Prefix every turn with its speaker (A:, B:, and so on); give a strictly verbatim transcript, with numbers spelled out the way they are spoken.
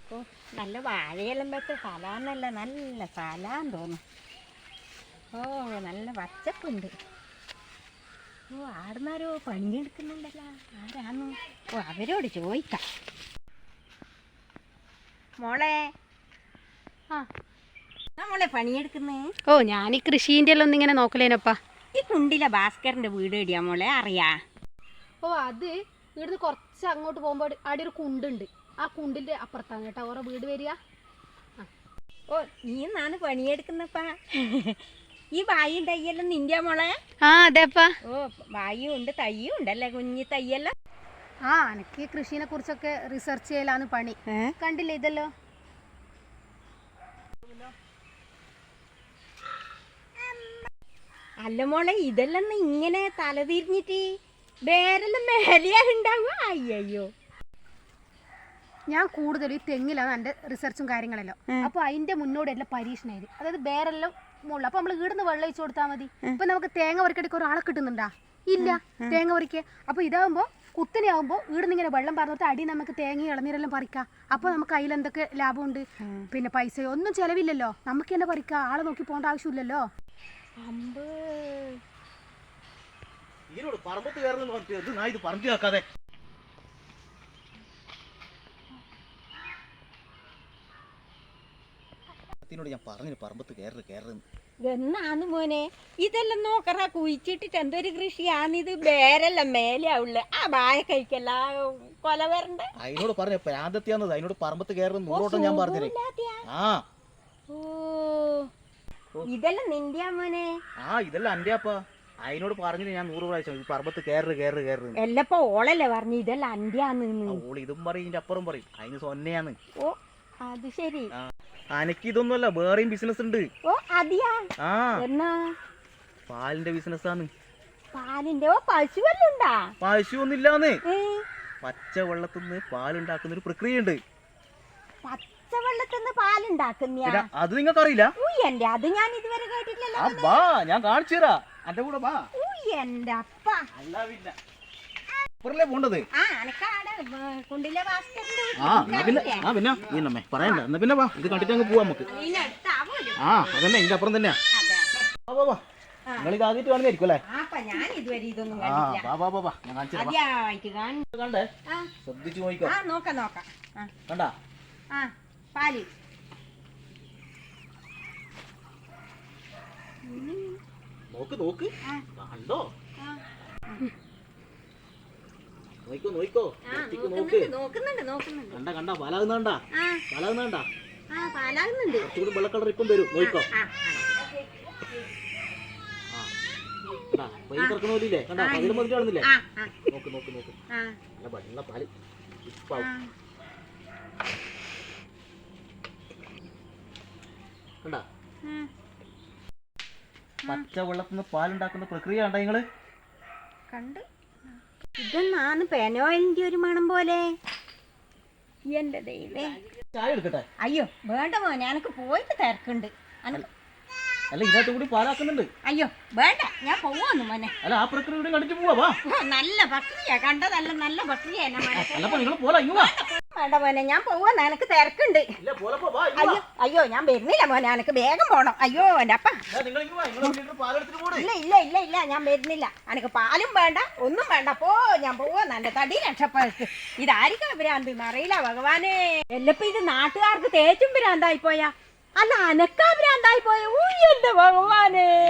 A: ഓ നല്ല വാഴയെല്ലാം വെച്ച സ്ഥലമെന്നല്ല, നല്ല സ്ഥലമാന്ന് തോന്നുന്നു. ഓ നല്ല പച്ചപ്പുണ്ട്. ഓ ആടുന്നാരോ പണിയെടുക്കുന്നുണ്ടല്ലോ, ആരാന്നു? ഓ അവരോട് ചോദിക്കാം. മോളെ,
B: ആ
A: മോളെ പണിയെടുക്കുന്നേ?
B: ഓ ഞാൻ ഈ കൃഷീൻ്റെ എല്ലാം ഒന്നിങ്ങനെ നോക്കലേനപ്പാ.
A: ഈ കുണ്ടിലെ ഭാസ്കറിന്റെ വീട് എവിടെയാ മോളെ, അറിയാ?
B: ഓ അത് ഇവിടുന്ന് കുറച്ച് അങ്ങോട്ട് പോകുമ്പോൾ അവിടെ ഒരു കുണ്ടുണ്ട്. ആ കുണ്ടിൻ്റെ അപ്പുറത്താണ് കേട്ടോ ഓരോ വീട് വരിക.
A: ഓ നീ എന്നാണ് പണിയെടുക്കുന്നപ്പാ? ഈ വായും തയ്യെല്ലാം നിന്റെ മോളെ?
B: ആ അതെപ്പാ.
A: ഓ വായും ഉണ്ട് തയ്യും ഉണ്ടല്ലേ, കുഞ്ഞി തയ്യെല്ലാം.
B: ആ എനിക്ക് കൃഷിനെ കുറിച്ചൊക്കെ റിസർച്ച് ചെയ്യലാണ് പണി. കണ്ടില്ലേ ഇതല്ലോ?
A: അല്ല മോളെ, ഇതെല്ലാം ഇങ്ങനെ തലതിരിഞ്ഞിട്ട് വേരെല്ലാം മേലെയാ ഉണ്ടാവുക? അയ്യോ,
B: ഞാൻ കൂടുതലും ഈ തെങ്ങിലാണ് എൻ്റെ റിസർച്ചും കാര്യങ്ങളെല്ലാം. അപ്പോൾ അതിൻ്റെ മുന്നോടെല്ലാം പരീക്ഷണമായിരുന്നു. അതായത് വേറെല്ലാം മുകളിൽ. അപ്പോൾ നമ്മൾ ഇവിടുന്ന് വെള്ളം ഒഴിച്ചു കൊടുത്താൽ മതി. ഇപ്പം നമുക്ക് തേങ്ങ പറിക്കടിക്ക് ഒരാളെ കിട്ടുന്നുണ്ടാ? ഇല്ല, തേങ്ങ പറിക്കുക. അപ്പോൾ ഇതാകുമ്പോൾ കുത്തനെയാകുമ്പോൾ ഇവിടുന്ന് ഇങ്ങനെ വെള്ളം പറഞ്ഞിട്ട് അടി നമുക്ക് തേങ്ങ ഇളനീരെല്ലാം പറിക്കാം. അപ്പോൾ നമുക്ക് അതിലെന്തൊക്കെ ലാഭമുണ്ട്? പിന്നെ പൈസയോ ഒന്നും ചിലവില്ലല്ലോ, നമുക്ക് തന്നെ പറിക്കാം. ആളെ നോക്കി പോകേണ്ട ആവശ്യമില്ലല്ലോ.
C: ഞാൻ പറഞ്ഞു പറമ്പത്ത് കയറി കയറുന്നു.
A: എന്നാന്ന് മോനെ ഇതെല്ലാം നോക്കറ കുഴിച്ചിട്ടിട്ട് എന്തൊരു കൃഷിയാണിത്? വേരെല്ലാം മേലെയാവുള്ള ആ ബായ കഴിക്കല്ല കൊല വരണ്ട.
C: അതിനോട് പറഞ്ഞ പ്രാന്തത്തിയാന്നത്, അതിനോട് പറമ്പത്ത് കയറുന്ന നൂറോട്ടം ഞാൻ പറഞ്ഞേ. ആ
A: ഓ ഇതെല്ലാം നിന്റെ മോനെ?
C: ആ ഇതെല്ലാം എന്റെ അപ്പ. അതിനോട് പറഞ്ഞിട്ട് ഞാൻ നൂറ് പ്രാവശ്യം പറമ്പത്ത് കയറ് കയറ് കയറ്.
A: എല്ലപ്പോ ഓളല്ലേ പറഞ്ഞു ഇതെല്ലാം അന്റെയാന്ന്?
C: ഓള് ഇതും പറയും ഇതിന്റെ അപ്പുറം പറയും. അതിന് സൊന്നയാന്ന്.
A: ഓ അത് ശരി.
C: അനക്ക് ഇതൊന്നുമല്ല, വേറെയും ബിസിനസ് ഉണ്ട്.
A: ഓ അതിയാ?
C: ആ
A: എന്നാ?
C: പാലിന്റെ ബിസിനസ് ആണ്.
A: പാലിന്റെ? ഓ പശു വല്ലതും ഉണ്ടാ?
C: പശു ഒന്നുമില്ലാന്ന്. പച്ച വെള്ളത്തിന്ന് പാലുണ്ടാക്കുന്ന ഒരു പ്രക്രിയ ഉണ്ട്.
A: പച്ചവെള്ളത്തിന്ന് പാലുണ്ടാക്കുന്ന? അത്
C: നിങ്ങൾക്ക് അറിയില്ല?
A: എന്റെ അത് ഞാൻ ഇതുവരെ കേട്ടിട്ടില്ലല്ലോ.
C: ബാ ഞാൻ കാണിച്ചു തരാ, എന്റെ കൂടെ ബാ.
A: എന്റെ അപ്പ
C: പോണ്ടത്.
A: ആ കുണ്ടിലെ
C: ആ പിന്നെ ആ പിന്നെ നീന്നമ്മേ പറയണ്ട. എന്നാ പിന്നെ വാ, ഇത് കണ്ടിട്ട് അങ്ങ് പോവാ നമുക്ക്. ആ അതന്നെ ഇതിന്റെ അപ്പുറം തന്നെയാ. നിങ്ങൾ ഇത് ആദ്യമായിട്ട് കാണുന്നതായിരിക്കും അല്ലേ? ആ വാ വാ വാ ഞാൻ കാണിച്ചു കണ്ടേ, ശ്രദ്ധിച്ചു നോക്കിക്കോ. കണ്ടാ
A: പാല്?
C: നോക്ക് നോക്ക്, കണ്ടോ? നോക്കോ നോക്കോ നോക്ക്. കണ്ട കണ്ട പാലാകുന്നണ്ട, പാലാകുന്നണ്ട. കുറച്ചുകൂടി വെള്ള കളർ ഇപ്പം വരും. നോക്കോ, പൈ തുറക്കുന്ന പോലില്ലേ? കണ്ടാ പതിലും പതിലും കാണുന്നില്ലേ? നോക്ക് നോക്ക് നോക്ക്, നല്ല വെള്ള പാല് ഇപ്പാവും. കണ്ടാ പച്ച വെള്ളത്തിന്ന് പാലുണ്ടാക്കുന്ന പ്രക്രിയ കണ്ടാ നിങ്ങള്?
A: കണ്ട്. ഇതെന്നാണ് പെനോയിലിന്റെ ഒരു മണം പോലെ. എന്റെ ദൈവേ,
C: ചായ എടുക്കട്ടെ?
A: അയ്യോ വേണ്ട മോനെ, എനക്ക് പോയിട്ട് തിരക്കുണ്ട്.
C: അല്ല ഇതിനകത്ത് കൂടി പാലാക്കുന്നുണ്ട്.
A: അയ്യോ വേണ്ട, ഞാൻ പോവാന്ന് മോനെ.
C: അല്ല ആ പ്രക്രിയ കൂടി കണ്ടിട്ട് പോവാ.
A: നല്ല പ്രക്രിയ കണ്ടതല്ല, നല്ല പ്രക്രിയ.
C: നിങ്ങൾ പോലെ
A: വേണ്ട മോനെ, ഞാൻ പോവാന്ന്, എനക്ക് തിരക്കുണ്ട്. അയ്യോ അയ്യോ ഞാൻ വരുന്നില്ല മോനെ, എനക്ക് വേഗം പോണം. അയ്യോ എന്റെ അപ്പ. ഇല്ല ഇല്ല ഇല്ല ഇല്ല ഞാൻ വരുന്നില്ല. എനക്ക് പാലും വേണ്ട, ഒന്നും വേണ്ട. പോ, ഞാൻ പോവാന്ന്. എന്റെ തടി രക്ഷപ്പെടുത്ത്. ഇതായിരിക്കും ഭ്രാന്ത്, അറിയില്ല ഭഗവാനെ. എല്ലപ്പോ ഇത് നാട്ടുകാർക്ക് തേച്ചും ഭ്രാന്തായി പോയാ? അല്ല അനക്കാ ഭ്രാന്തായി പോയ? എന്റെ ഭഗവാനെ.